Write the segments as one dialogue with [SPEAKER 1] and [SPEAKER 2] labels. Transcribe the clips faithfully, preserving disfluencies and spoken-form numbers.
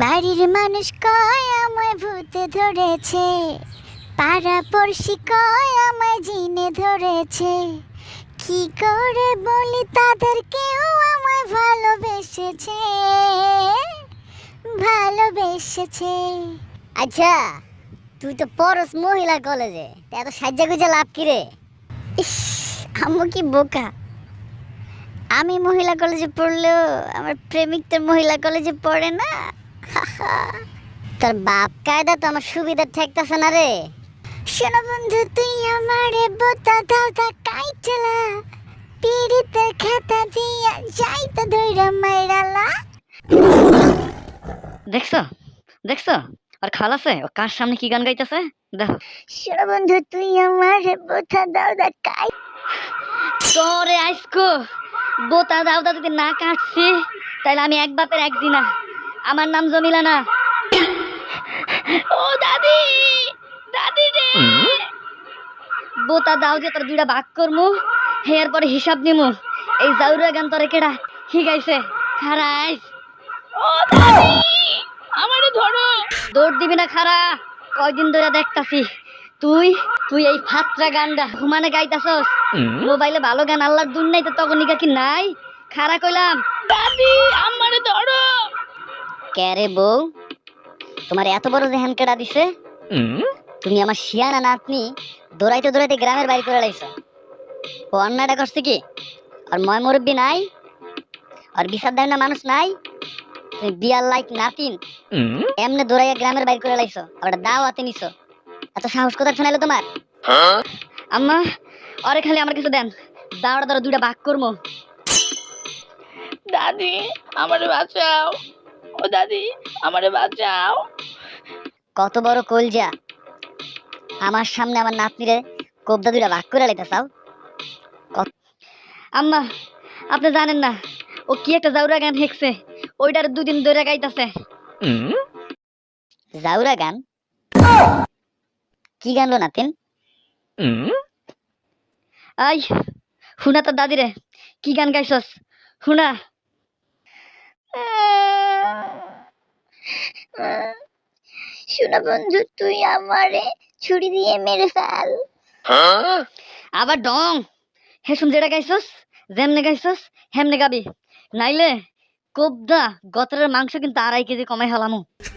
[SPEAKER 1] বাড়ির মানুষ কয় আমায় ভূতে ধরেছে, পাড়া পড়শি কয় আমায় জিনে ধরেছে। কি করে বলি তাদের কেউ আমায় ভালোবেসেছে, ভালোবেসেছে।
[SPEAKER 2] আচ্ছা, তুই তো পড়স মহিলা কলেজে, তা এত সাজ্জা গুজা লাভ কি রে?
[SPEAKER 1] ইস, আম্মু কি বোকা। আমি মহিলা কলেজে পড়লেও আমার প্রেমিক তো মহিলা কলেজে পড়ে না।
[SPEAKER 2] তোর বাপ কায়দা তো আমার সুবিধা ঠেকতেছে না রে।
[SPEAKER 1] শোনো বন্ধু, তুই আমারে বোতা দাওদা কাইটলা, পিড়িতের খাতা দিয়া যাইতা ধইরা মাইরালা।
[SPEAKER 3] দেখছো দেখছো আর খালাসে ও কার সামনে কি গান গাইতেছে দেখো।
[SPEAKER 1] শোনো বন্ধু, তুই আমারে বোতা দাওদা কাই।
[SPEAKER 3] তোরে আইসকো বোতা দাওদা যদি না কাটছি তাহলে আমি এক বাপের একদিনা। আমার নাম জমিলা না। ও দাদি, দাদি রে, বোতা দাও দিয়ে তোর দুইটা ভাগ করমু, হেয়ার পরে হিসাব নিমু। এই জাউরা গান তোরে কেডা শিখাইছে? খারাইস। ও দাদি, আমারে ধরো। দৌড় দিবি না খারা, কয়দিন ধরে দেখতাছি তুই তুই এই ফাত্রা গানটা ঘুমানে গাইতাছস। মোবাইলে ভালো গান আল্লাহর দুন নাই তো তখন নিকা কি নাই? খারা কইলাম দাদি আমারে ধরো। কে রে বউ, তোমার এত বড় জেহান কেডা দিছে? তুমি আমার শিয়ানা নাতনি দৌড়াইতে দৌড়াইতে গ্রামের বাইরে করে লাইছো। ও অন্যায়টা করছে কি? আর ময় মুরব্বী নাই, আর বিচার দেয় না মানুষ নাই। তুমি বিয়ার লাইক নাতিন এমনে দৌড়াইয়া গ্রামের বাইরে করে লাইছো, আবার দাওয়াতে নিছো। এত সাহস কোথায় শোনাইলো তোমার? আম্মা, আরে খালি আমার কিছু দেন, দাওড়া দাওড়া দুইটা ভাগ করবো।
[SPEAKER 4] দাদি আমারে বাঁচাও, ও দাদি আমারে বাঁচাও।
[SPEAKER 3] কত বড় কলজা, আমার সামনে আমার নাতনিরে কোবদা দুইটা ভাগ করে লাইতে চাও? আম্মা, আপনি জানেন না ও কি একটা জাউরা গান হেঁকছে, ওইটার দুদিন ধরে গাইতাছে। জাউরা গান? কি গানলো নাতিন? আই হুনা তোর দাদি রে, কি গান গাইছস হুনা।
[SPEAKER 1] শোনো বন্ধু, তুই আমারে ছুরি দিয়ে মেরে ফেল।
[SPEAKER 3] আবার ডং হেসুম যেটা গাইছস, যেমনে গাইছস হেমনে গাবি, নাইলে কোবদা গতরের মাংস কিন্তু আড়াই কেজি কমাই হলামু।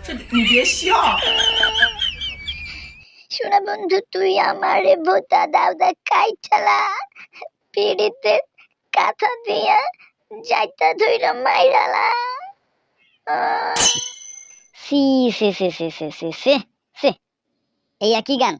[SPEAKER 1] শোনো বন্ধু, তুই আমারে বোতা দাওদা কাইটলা, পিড়িতের কাঁথা দিয়া যাইতা ধইরা মাইরালা।
[SPEAKER 3] সি সে সে সে সে সে সে সে এই একই গান।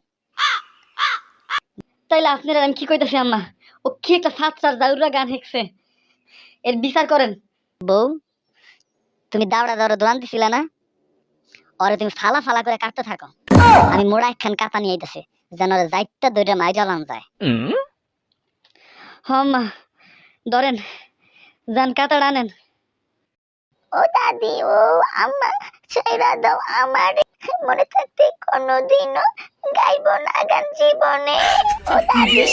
[SPEAKER 3] তাইলে আপনারা আমি কি কইতাছি আম্মা, ও কি একটা ফাতসার জাউরা গান হেঁকছে, এর বিচার করেন। বউ, তুমি দাওড়া দাওড়া দোয়ান দিছিলা না, ওরে তুমি ফালা ফালা করে কাটতে থাকো। আমি মোড়া একখান কাতা নিয়ে আইতাছি, যেন ওরে যাইতা দইটা মাই জ্বালান যায়। হম্মা ধরেন, যান কাতাড় আনেন।
[SPEAKER 1] ও দাদি, ও আম্মা, ছাইরা দাও আমারে, মনে থাকতে কোনোদিনও গাইব না গান জীবনে। ও দাদি।